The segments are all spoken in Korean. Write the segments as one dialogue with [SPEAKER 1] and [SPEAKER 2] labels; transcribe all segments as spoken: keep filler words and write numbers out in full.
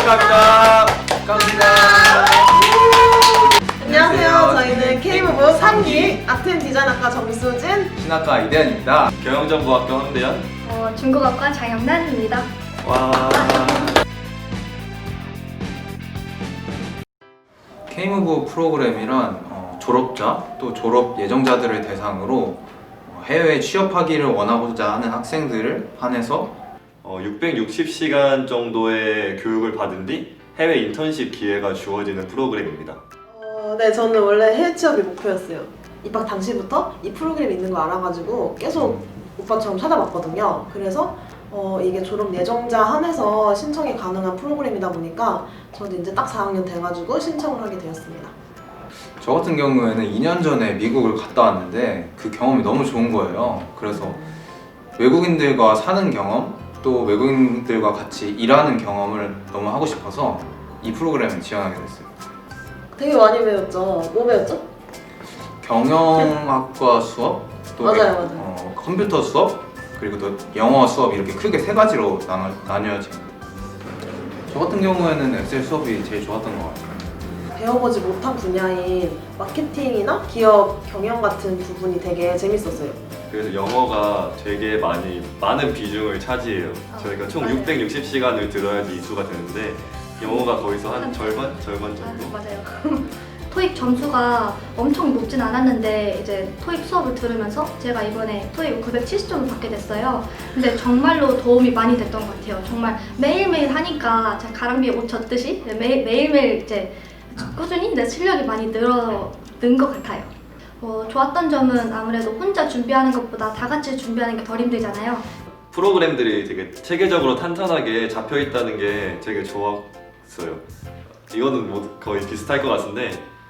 [SPEAKER 1] 축하합니다.
[SPEAKER 2] 축하합니다.
[SPEAKER 3] 안녕하세요. 저희는 K무브 삼 기 아트앤 디자인학과 정수진,
[SPEAKER 2] 신학과 이대현입니다.
[SPEAKER 1] 경영정보학과 황대현.
[SPEAKER 4] 어, 중국어과 장영란입니다.
[SPEAKER 1] 와.
[SPEAKER 2] K무브 프로그램이란 어, 졸업자 또 졸업 예정자들을 대상으로 어, 해외에 취업하기를 원하고자 하는 학생들을 한해서
[SPEAKER 1] 어, 육백육십 시간 정도의 교육을 받은 뒤 해외 인턴십 기회가 주어지는 프로그램입니다.
[SPEAKER 3] 어, 네, 저는 원래 해외 취업이 목표였어요. 입학 당시부터 이 프로그램이 있는 거 알아가지고 계속 오빠처럼 찾아봤거든요. 그래서 어, 이게 졸업 예정자 한해서 신청이 가능한 프로그램이다 보니까 저도 이제 딱 사 학년 돼가지고 신청을 하게 되었습니다.
[SPEAKER 2] 저 같은 경우에는 이 년 전에 미국을 갔다 왔는데 그 경험이 너무 좋은 거예요. 그래서 외국인들과 사는 경험 또 외국인들과 같이 일하는 경험을 너무 하고 싶어서 이 프로그램에 지원하게 됐어요.
[SPEAKER 3] 되게 많이 배웠죠? 뭐 배웠죠?
[SPEAKER 2] 경영학과 수업, 또
[SPEAKER 3] 맞아요,
[SPEAKER 2] 에-
[SPEAKER 3] 맞아요.
[SPEAKER 2] 어, 컴퓨터 수업, 그리고 또 영어 수업 이렇게 크게 세 가지로 나눠, 나뉘어집니다. 저 같은 경우에는 엑셀 수업이 제일 좋았던 것 같아요.
[SPEAKER 3] 배워보지 못한 분야인 마케팅이나 기업 경영 같은 부분이 되게 재밌었어요.
[SPEAKER 1] 그래서 영어가 되게 많이 많은 비중을 차지해요. 저희가 총
[SPEAKER 3] 맞아요.
[SPEAKER 1] 육백육십 시간을 들어야지 이수가 되는데 영어가 거기서 한 절반? 절반
[SPEAKER 4] 아,
[SPEAKER 1] 정도?
[SPEAKER 4] 맞아요. 토익 점수가 엄청 높진 않았는데 이제 토익 수업을 들으면서 제가 이번에 토익 구백칠십 점을 받게 됐어요. 근데 정말로 도움이 많이 됐던 것 같아요. 정말 매일매일 하니까 제가 가랑비에 옷 젖듯이 매일, 매일매일 이제 꾸준히 내 실력이 많이 늘어 는 것 같아요. 어, 좋았던 점은 아무래도 혼자 준비하는 것보다 다 같이 준비하는 게 덜 힘들잖아요.
[SPEAKER 1] 프로그램들이 되게 체계적으로 탄탄하게 잡혀 있다는 게 되게 좋았어요. 이거는 뭐 거의 비슷할 것 같은데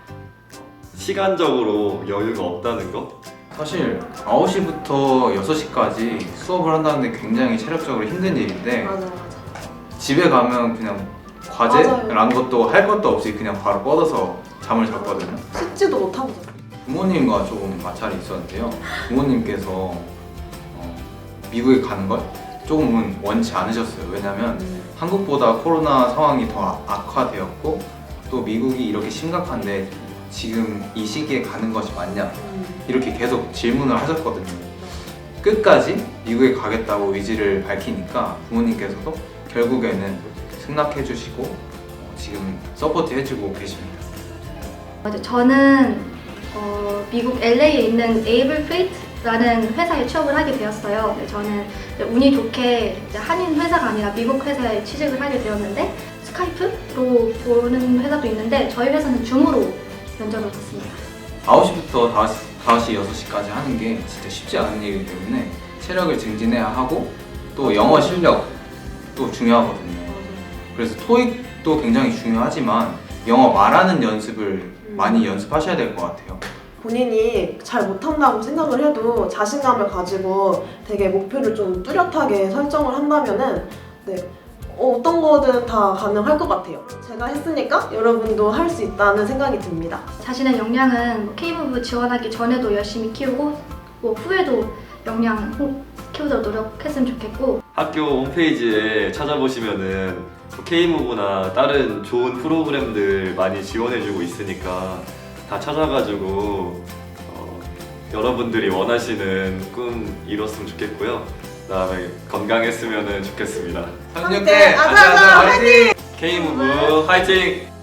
[SPEAKER 1] 시간적으로 여유가 없다는 거?
[SPEAKER 2] 사실 아홉 시부터 여섯 시까지 수업을 한다는 게 굉장히 체력적으로 힘든 일인데
[SPEAKER 3] 맞아요, 맞아요.
[SPEAKER 2] 집에 가면 그냥 과제라는 것도 할 것도 없이 그냥 바로 뻗어서 잠을 잤거든요.
[SPEAKER 3] 씻지도 못하고 잤어요.
[SPEAKER 2] 부모님과 조금 마찰이 있었는데요. 부모님께서 어, 미국에 가는 걸 조금은 원치 않으셨어요. 왜냐면 한국보다 코로나 상황이 더 악화되었고 또 미국이 이렇게 심각한데 지금 이 시기에 가는 것이 맞냐 이렇게 계속 질문을 하셨거든요. 끝까지 미국에 가겠다고 의지를 밝히니까 부모님께서도 결국에는 승낙해 주시고 어, 지금 서포트 해주고 계십니다.
[SPEAKER 4] 맞아요. 저는 어, 미국 엘에이에 있는 에이블 프레이트라는 회사에 취업을 하게 되었어요. 네, 저는 이제 운이 좋게 이제 한인 회사가 아니라 미국 회사에 취직을 하게 되었는데 스카이프로 보는 회사도 있는데 저희 회사는 줌으로 면접을 봤습니다.
[SPEAKER 2] 아홉 시부터 다섯 시, 여섯 시까지 하는 게 진짜 쉽지 않은 일이기 때문에 체력을 증진해야 하고 또 영어 실력도 중요하거든요. 그래서 토익도 굉장히 중요하지만 영어 말하는 연습을 많이 연습하셔야 될 것 같아요.
[SPEAKER 3] 본인이 잘 못한다고 생각을 해도 자신감을 가지고 되게 목표를 좀 뚜렷하게 설정을 한다면은 네, 어, 어떤 거든 다 가능할 것 같아요. 제가 했으니까 여러분도 할 수 있다는 생각이 듭니다.
[SPEAKER 4] 자신의 역량은 K무브 지원하기 전에도 열심히 키우고 뭐 후에도 역량 호- 키우도록 노력했으면 좋겠고
[SPEAKER 1] 학교 홈페이지에 찾아보시면은 K무브나 다른 좋은 프로그램들 많이 지원해주고 있으니까 다 찾아가지고 어, 여러분들이 원하시는 꿈 이뤘으면 좋겠고요. 그다음에 건강했으면 좋겠습니다.
[SPEAKER 2] 삼 육 대 아자아자 화이팅!
[SPEAKER 1] K무브 화이팅!